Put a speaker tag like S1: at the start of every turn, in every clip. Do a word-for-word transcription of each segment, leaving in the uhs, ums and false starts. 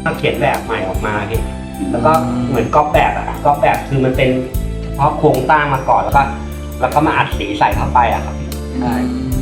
S1: เขียนแบบใหม่ออกมาพี่แล้วก็เหมือนก๊อปแบบอะก๊อปแบบคือมันเป็นเฉพาะโครงสร้างมาก่อนแล้วก็แล้วก็มาอัดสีใส่เข้าไปอะครับใช่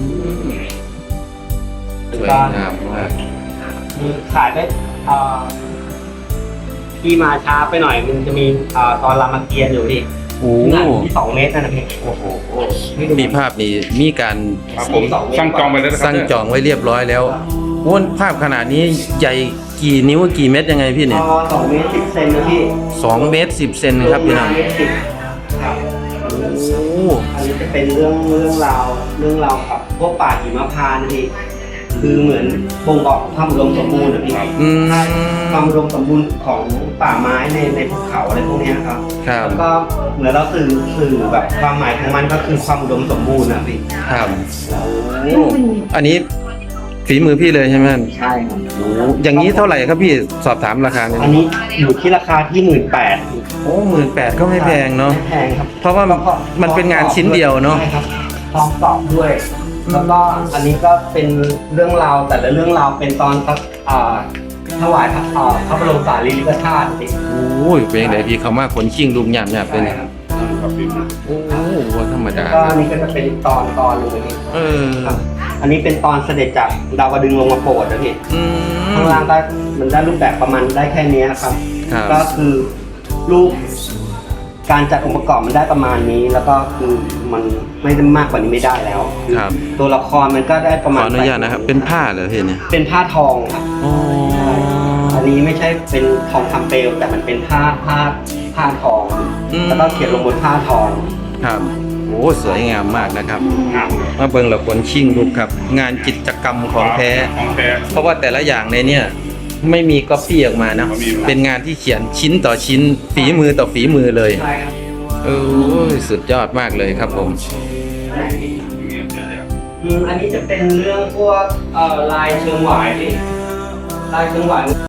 S2: สวยงามมาก
S1: มีขายได้เอ่อที่มาช้าไปหน่อยมันจะมีเอ่อตอนรามเกียรติ์อยู่พี่
S2: โอ้
S1: ขนาดที่สองเมตรนั่นนะพี่โอ้โห
S2: มีภาพนี้มีการ
S3: ครับผมสั่งจองไปแล้วนะครั
S2: สั่งจองไว้เรียบร้อยแล้วโอ้ภาพขนาดนี้ใหญ่กี่นิ้วกี่เม็ดยังไงพี่เนี่ย
S1: พอสองเมตรสิบเซนนะพี่
S2: สองเมตรสิบเซนครับพี่น้อง
S1: เมตรสิบครับ
S2: โอ้
S1: อันนี้จะเป็นเรื่องเรื่องราวเรื่องราวกับพวกป่าหิมพานต์นะพี่คือเหมือนบ่งบอกความอุดมสมบูรณ์นะพี่
S2: อืม
S1: ความอุดมสมบูรณ์ของป่าไม้ในในภูเขาอะไรพวกเนี้ยครับ
S2: ครับ
S1: แล้วก็เหมือนเราสื่อสื่อแบบความหมายของมันก็คือความอุดมสมบูรณ์นะพี่
S2: ครับโอ้อันนี้ฝีมือพี่เลยใช่ไหม
S1: ใช่ครับ
S2: โอ้อย่างนี้เท่าไหร่ครับพี่สอบถามราคาเนี่ย
S1: อันนี้อยู่ที่ราคาที่หมื่นแปด
S2: โอ้หมื่นแปดก็ไม่แพงเนาะ
S1: ไม่แพงครับ
S2: เพราะว่ามันเป็นงานชิ้นเดียวเนาะ
S1: ใช่ครับพร้อมตอบด้วย แล้วก็อันนี้ก็เป็นเรื่องราวแต่ละเรื่องราวเป็นตอนอ่าถวายพระอ่าพระบรมสารีริกธาตุพี่
S2: โอ้ยเป็นยังไงพี่เขามาขนชิงลูกหยาบหยาบเป็น
S1: ใช่ครับ
S2: โอ้ว่าธรรมดา
S1: ก็อันนี้ก็จะเป็นตอนตอนหนึงเลยพี่
S2: เออ
S1: ครับอันนี้เป็นตอนเสด็จจากดาวดึงส์ลงมาโปรดนะพี่
S2: อืม
S1: ข้างล่างได้มันได้รูปแบบประมาณได้แค่นี้ครับ
S2: ครับ
S1: ก็คือรูปการจัดองค์ประกอบมันได้ประมาณนี้ แล้วก็คือมันไม่ได้มากกว่านี้ไม่ได้แล้ว
S2: ครับ
S1: ตัวละครมันก็ได้ประ
S2: ข
S1: มา
S2: อ
S1: ณ
S2: อนุญาตนะครับ เป็นผ้าเหรอพี่เนี่ย
S1: เป็นผ้าทองครับ
S2: โอ้
S1: อันนี้ไม่ใช่เป็นทองคำเปลวแต่มันเป็นผ้าผ้าผ้าทอง
S2: อืม
S1: แล้วก็เขียนลงบนผ้าทอง
S2: ครับโอ้สวยงามมากนะครับ มาเบิ่งละคนชิงลูกครับ งานกิจกรรมของแท้
S3: ของแท้
S2: เพราะว่าแต่ละอย่างในเนี่ยไม่มีก๊อปปี้ออกมานะ เป็นงานที่เขียนชิ้นต่อชิ้น ฝีมือต่อฝีมือเลย
S1: ใช่ครับ
S2: เออสุดยอดมากเลยครับผม
S1: อืมอันนี้จะเป็นเรื่องพวกเอ่อลายเชิงหวายพี่ลายเชิงหวาย